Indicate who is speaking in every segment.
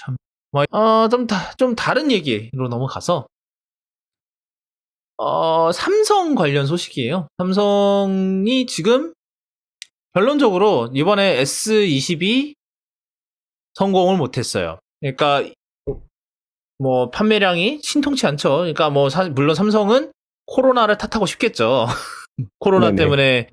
Speaker 1: 참. 좀 다른 얘기로 넘어가서, 삼성 관련 소식이에요. 삼성이 지금 결론적으로 이번에 S22 성공을 못했어요. 그러니까, 뭐, 판매량이 신통치 않죠. 그러니까 뭐, 물론 삼성은 코로나를 탓하고 싶겠죠. 코로나
Speaker 2: 네네.
Speaker 1: 때문에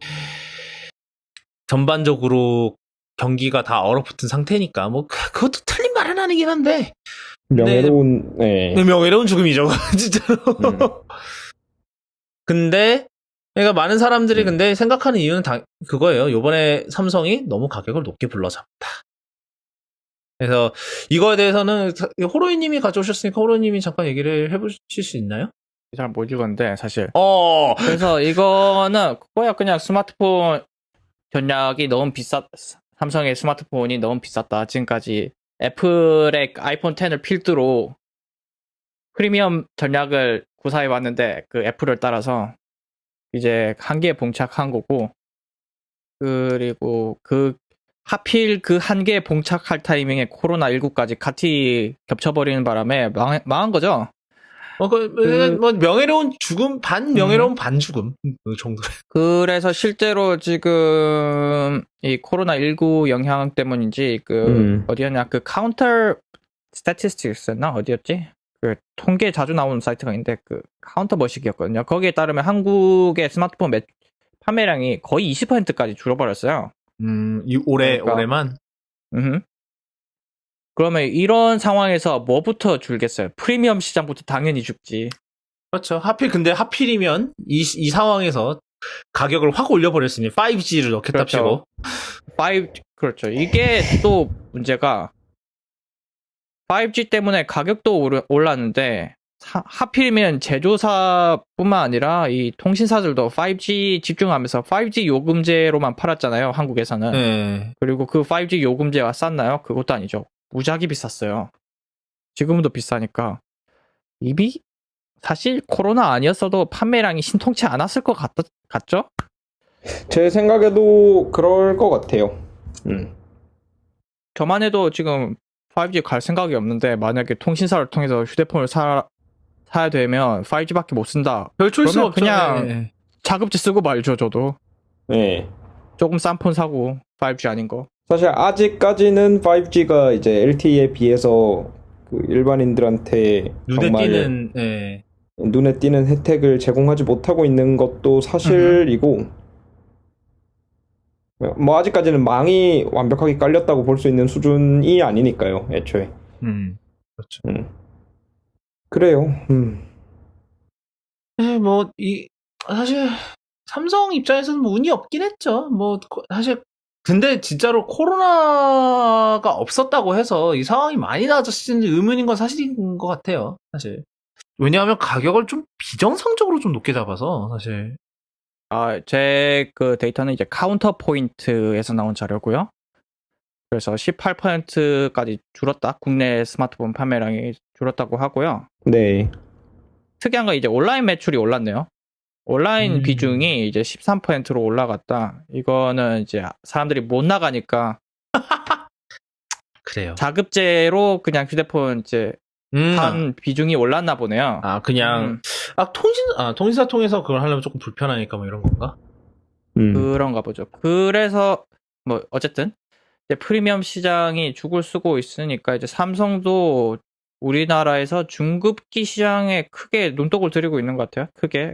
Speaker 1: 전반적으로 경기가 다 얼어붙은 상태니까, 뭐, 그것도 틀린 말은 아니긴 한데, 근데,
Speaker 2: 명예로운, 네.
Speaker 1: 명예로운 죽음이죠, 진짜로.
Speaker 2: 음.
Speaker 1: 근데, 그러니까 많은 사람들이 근데 생각하는 이유는 그거예요. 요번에 삼성이 너무 가격을 높게 불러잡았다. 그래서 이거에 대해서는 호로이님이 가져오셨으니까 호로이님이 잠깐 얘기를 해보실 수 있나요?
Speaker 3: 잘 못 읽었는데 사실.
Speaker 1: 어,
Speaker 3: 그래서 이거는 그거야 그냥 스마트폰 전략이 너무 삼성의 스마트폰이 너무 비쌌다. 지금까지 애플의 아이폰 10을 필두로 프리미엄 전략을 구사해 왔는데 그 애플을 따라서 이제 한계에 봉착한 거고, 그리고 하필 그 한계에 봉착할 타이밍에 코로나19까지 같이 겹쳐버리는 바람에 망한 거죠.
Speaker 1: 뭐 명예로운 죽음, 반 명예로운 반 죽음 그 정도.
Speaker 3: 그래서 실제로 지금 이 코로나19 영향 때문인지 어디였냐, 그 카운터 스태티스틱스였나 어디였지? 그 통계 자주 나오는 사이트가 있는데 그 카운터 머식이었거든요. 거기에 따르면 한국의 스마트폰 판매량이 거의 20%까지 줄어버렸어요. 그러니까,
Speaker 1: 올해만.
Speaker 3: 그러면 이런 상황에서 뭐부터 줄겠어요? 프리미엄 시장부터 당연히 죽지.
Speaker 1: 그렇죠. 하필이면 이 상황에서 가격을 확 올려버렸으니 5G를 넣겠다
Speaker 3: 그렇죠.
Speaker 1: 치고.
Speaker 3: 그렇죠. 이게 또 문제가 5G 때문에 가격도 올랐는데 하필이면 제조사뿐만 아니라 이 통신사들도 5G 집중하면서 5G 요금제로만 팔았잖아요, 한국에서는.
Speaker 1: 네.
Speaker 3: 그리고 그 5G 요금제가 쌌나요? 그것도 아니죠. 무지하게 비쌌어요. 지금도 비싸니까. 사실 코로나 아니었어도 판매량이 신통치 않았을 것 같죠?
Speaker 2: 제 생각에도 그럴 것 같아요.
Speaker 3: 저만 해도 지금 5G 갈 생각이 없는데 만약에 통신사를 통해서 휴대폰을 사야 되면 5G밖에 못 쓴다.
Speaker 1: 별 초이스가
Speaker 3: 그러면
Speaker 1: 없죠.
Speaker 3: 그냥
Speaker 1: 네.
Speaker 3: 자급제 쓰고 말죠, 저도.
Speaker 2: 네.
Speaker 3: 조금 싼 폰 사고 5G 아닌 거.
Speaker 2: 사실 아직까지는 5G가 이제 LTE에 비해서 그 일반인들한테 정말 눈에 띄는 혜택을 제공하지 못하고 있는 것도 사실이고, 뭐 아직까지는 망이 완벽하게 깔렸다고 볼 수 있는 수준이 아니니까요, 애초에.
Speaker 1: 그렇죠.
Speaker 2: 그래요.
Speaker 1: 네, 뭐 사실 삼성 입장에서는 뭐 운이 없긴 했죠. 뭐 사실 근데 진짜로 코로나가 없었다고 해서 이 상황이 많이 나아졌는지 의문인 건 사실인 것 같아요. 사실. 왜냐하면 가격을 좀 비정상적으로 좀 높게 잡아서 사실.
Speaker 3: 제 그 데이터는 이제 카운터 포인트에서 나온 자료고요. 그래서 18%까지 줄었다. 국내 스마트폰 판매량이 줄었다고 하고요.
Speaker 2: 네.
Speaker 3: 특이한 건 이제 온라인 매출이 올랐네요. 온라인 비중이 이제 13%로 올라갔다. 이거는 이제 사람들이 못 나가니까
Speaker 1: 그래요.
Speaker 3: 자급제로 그냥 휴대폰 이제 한 비중이 올랐나 보네요.
Speaker 1: 그냥 통신사 통해서 그걸 하려면 조금 불편하니까 뭐 이런 건가?
Speaker 3: 그런가 보죠. 그래서 뭐 어쨌든 이제 프리미엄 시장이 죽을 쓰고 있으니까 이제 삼성도 우리나라에서 중급기 시장에 크게 눈독을 들이고 있는 것 같아요. 크게.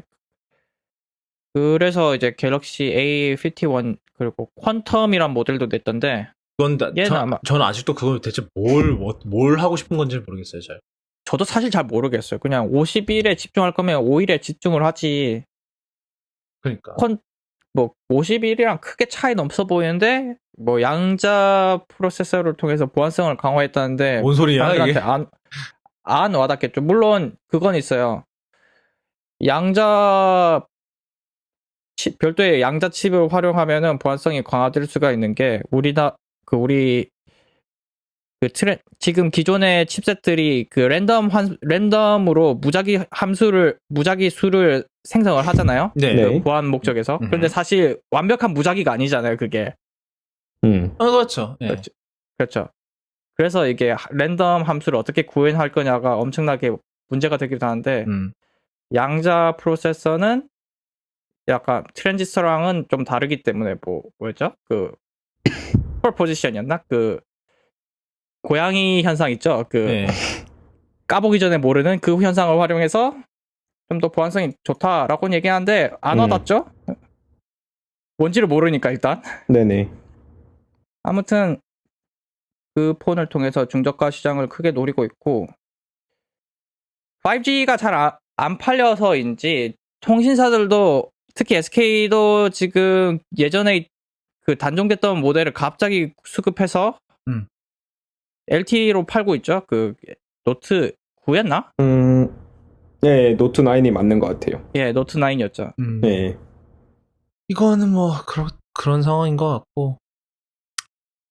Speaker 3: 그래서 이제 갤럭시 A51 그리고 퀀텀이란 모델도 냈던데
Speaker 1: 저는 아직도 그걸 대체 뭘 하고 싶은 건지 모르겠어요, 잘.
Speaker 3: 저도 사실 잘 모르겠어요. 그냥 51에 집중할 거면 5일에 집중을 하지.
Speaker 1: 그러니까.
Speaker 3: 51이랑 크게 차이는 없어 보이는데 뭐 양자 프로세서를 통해서 보안성을 강화했다는데
Speaker 1: 뭔 소리야,
Speaker 3: 사람들한테
Speaker 1: 이게?
Speaker 3: 안 와닿겠죠. 물론 그건 있어요. 별도의 양자 칩을 활용하면은 보안성이 강화될 수가 있는 게 지금 기존의 칩셋들이 그 랜덤으로 무작위 수를 생성을 하잖아요.
Speaker 1: 네.
Speaker 3: 그 보안 목적에서. 근데 사실 완벽한 무작위가 아니잖아요, 그게.
Speaker 1: 그렇죠. 네.
Speaker 3: 그렇죠. 그래서 이게 랜덤 함수를 어떻게 구현할 거냐가 엄청나게 문제가 되기도 하는데 양자 프로세서는 약간 트랜지스터랑은 좀 다르기 때문에 뭐였죠? 그 슈퍼포지션이었나? 그 고양이 현상 있죠? 그
Speaker 1: 네.
Speaker 3: 까보기 전에 모르는 그 현상을 활용해서 좀 더 보안성이 좋다라고 얘기하는데 안 와닿죠? 뭔지를 모르니까 일단.
Speaker 2: 네네.
Speaker 3: 아무튼 그 폰을 통해서 중저가 시장을 크게 노리고 있고 5G가 잘 안 팔려서인지 통신사들도 특히 SK도 지금 예전에 그 단종됐던 모델을 갑자기 수급해서 LTE로 팔고 있죠. 그 노트 9였나?
Speaker 2: 네, 노트 9이 맞는 것 같아요.
Speaker 3: 예, 노트 9이었죠.
Speaker 2: 네.
Speaker 1: 이거는 뭐 그런 상황인 것 같고